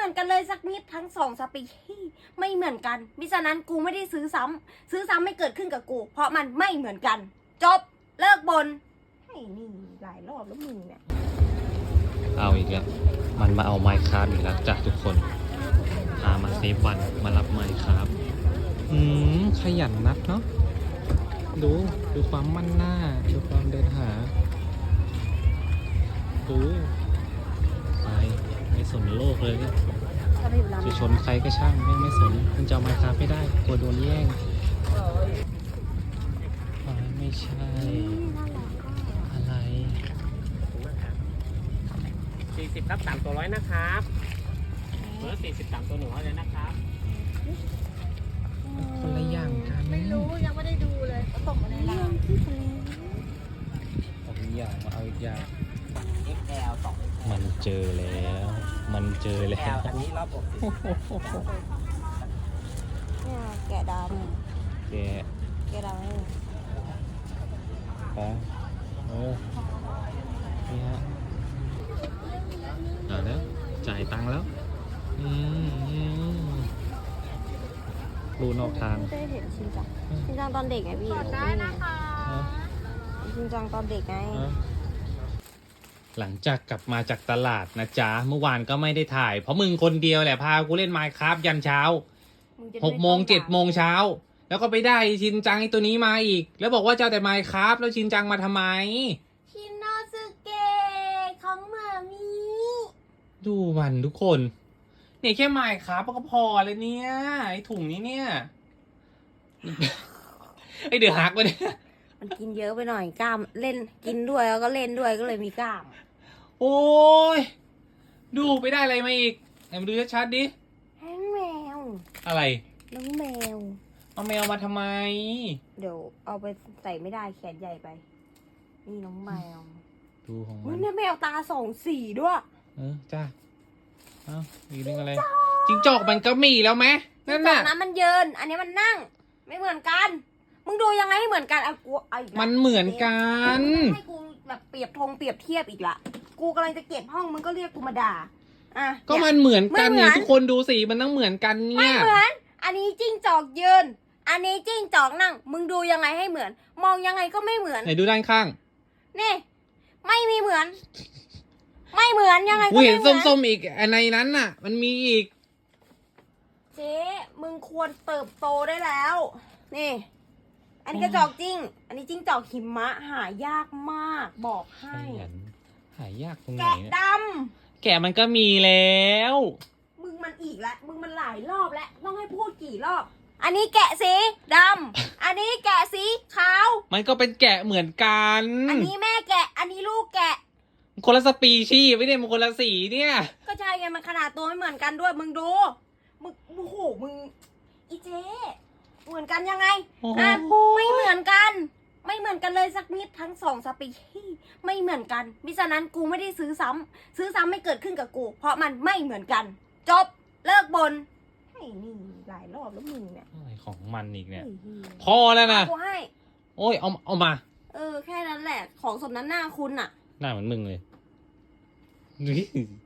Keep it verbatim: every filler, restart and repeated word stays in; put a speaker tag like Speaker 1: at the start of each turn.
Speaker 1: มือนกันเลยสักนิดทั้งสองสปีชีส์ไม่เหมือนกันมิฉะนั้นกูไม่ได้ซื้อซ้ำซื้อซ้ำไม่เกิดขึ้นกับกู เพราะมันไม่เหมือนกัน จบเลิกบนให้นี่หลายรอบแล้วมึงเนี่ย
Speaker 2: เอาอีกแล้วมันมาเอาไมค์คราฟอีกแล้วจากทุกคนพามาเซฟวันมารับไมค์คราฟอืมขยันนักเนาะดูดูความมั่นหน้าดูความเดินหาดูไปไม่สนโลกเลยเนี่ยจะชนใครก็ช่างไม่ไม่สนมันจะเอาไมค์คราฟไม่ได้กลัวโดนแย่งไม่ใช่อะไร
Speaker 3: สี่สิบทับสามตัวร้อยนะครับเบอร์สี่สิบสามตัวหนึ่งร้อยเลยนะครับ
Speaker 2: คนละอย่างกัน
Speaker 1: ไม่รู้ยังไม่ได้ดูเลยเขาตกมาในร้าน
Speaker 2: เอาอีกอย่างมาเอาอีกอย่าง
Speaker 3: เอ็กซ์แอล สอง
Speaker 2: มันเจอแล้ว มันเจอแล้ว
Speaker 3: อันนี้รอบอก
Speaker 1: เนี่ยแกะดำ
Speaker 2: แก
Speaker 1: แกะดำให้
Speaker 2: ไปเออนี่ฮะเอาแล้วจ่ายตังค์แล้วอืมรูนอกทาง
Speaker 1: ไม่ได้เห็นชินจังชินจังตอนเด็กไงพี่กดได้นะคะชินจังตอนเด็กไง
Speaker 2: หลังจากกลับมาจากตลาดนะจ๊ะเมื่อวานก็ไม่ได้ถ่ายเพราะมึงคนเดียวแหละพากูเล่นไมน์คราฟยันเช้าหกโมงเจ็ดโมงเช้าแล้วก็ไปได้ชินจังไอตัวนี้มาอีกแล้วบอกว่าจะเอาแต่ไมน์คราฟแล้วชินจังมาทำไม
Speaker 1: ชินโนสึเกะของมามี
Speaker 2: ดูมันทุกคนเนี่ยแค่ไมน์คราฟก็พอเลยเนี่ยไอถุงนี้เนี่ยไอเดือดหักไปเนี่ย
Speaker 1: มันกินเยอะไปหน่อยกล้ามเล่นกินด้วยแล้วก็เล่นด้วยก็เลยมีกล้าม
Speaker 2: โอ้ยดูไปได้อะไรมาอีกไหนมาดูชัดๆดิ
Speaker 1: แห้งแมว
Speaker 2: อะไร
Speaker 1: น้องแมว
Speaker 2: เอาแมวมาทำไม
Speaker 1: เดี๋ยวเอาไปใส่ไม่ได้แขนใหญ่ไปนี่น้องแมว
Speaker 2: ดูของมัน
Speaker 1: เนี่ยแมวตาสองสีด้วย
Speaker 2: เออจ้าเอ้ามีเรื่องอะไรจิงจอกมันก็มีแล้วไหมนั่นน่ะ
Speaker 1: นั้นมันเยินอันนี้มันนั่งไม่เหมือนกันมึงดูยังไงให้เหมือนกันอ่ะกูเอาอีก
Speaker 2: มันเหมือนกัน
Speaker 1: ให้กูแบบเปรียบธงเปรียบเทียบอีกละกูกำลังจะเก็บห้องมึงก็เรียกกูมาด่าอ่ะ
Speaker 2: ก็มันเหมือนกันเนี่ยทุกคนดูสิมันต้องเหมือนกันเนี่ย
Speaker 1: ไม่เหมือนอันนี้จิ้งจอกยืนอันนี้จิ้งจอกนั่งมึงดูยังไงให้เหมือนมองยังไงก็ไม่เหมือน
Speaker 2: ไหนดูด้านข้าง
Speaker 1: นี่ไม่มีเหมือน ไม่เหมือนยังไงก็
Speaker 2: ไม่เหมือนกูเห็นส้มๆอีกอันในนั้นน่ะมันมีอีก
Speaker 1: เจ๊มึงควรเติบโตได้แล้วนี่อันนี้กระจอกจริงอันนี้จิ้งจอกหิมะหายากมากบอกให้
Speaker 2: หายากตรงไหน
Speaker 1: แกะด
Speaker 2: ำแกะมันก็มีแล้ว
Speaker 1: มึงมันอีกแล้วมึงมันหลายรอบแล้วต้องให้พูดกี่รอบอันนี้แกะสีดำอันนี้แกะสีขาว
Speaker 2: มันก็เป็นแกะเหมือนกัน
Speaker 1: อันนี้แม่แกะอันนี้ลูกแกะ
Speaker 2: คนละสปีชีส์ไม่ได้มันคนละสีเนี่ย
Speaker 1: ก็ใช่ไงมันขนาดตัวไม่เหมือนกันด้วยมึงดูมึงโอ้โหมึงอีเจ๊เหมือนกันยังไงอ่ะไม่เหมือนกันไม่เหมือนกันเลยสักนิดทั้งสองสปีชีส์ไม่เหมือนกันมิฉะนั้นกูไม่ได้ซื้อซ้ำซื้อซ้ำไม่เกิดขึ้นกับกูเพราะมันไม่เหมือนกันจบเลิกบนให้นี่หลายรอบแล้วมึงเนี่ย
Speaker 2: อะไรของมันอีกเนี่ยพอแล้วนะ
Speaker 1: กูให้
Speaker 2: โอ้ยเอาเอามา
Speaker 1: เออแค่นั้นแหละของสมนั้นหน้าคุณอะ
Speaker 2: หน้าเหมือนมึงเลย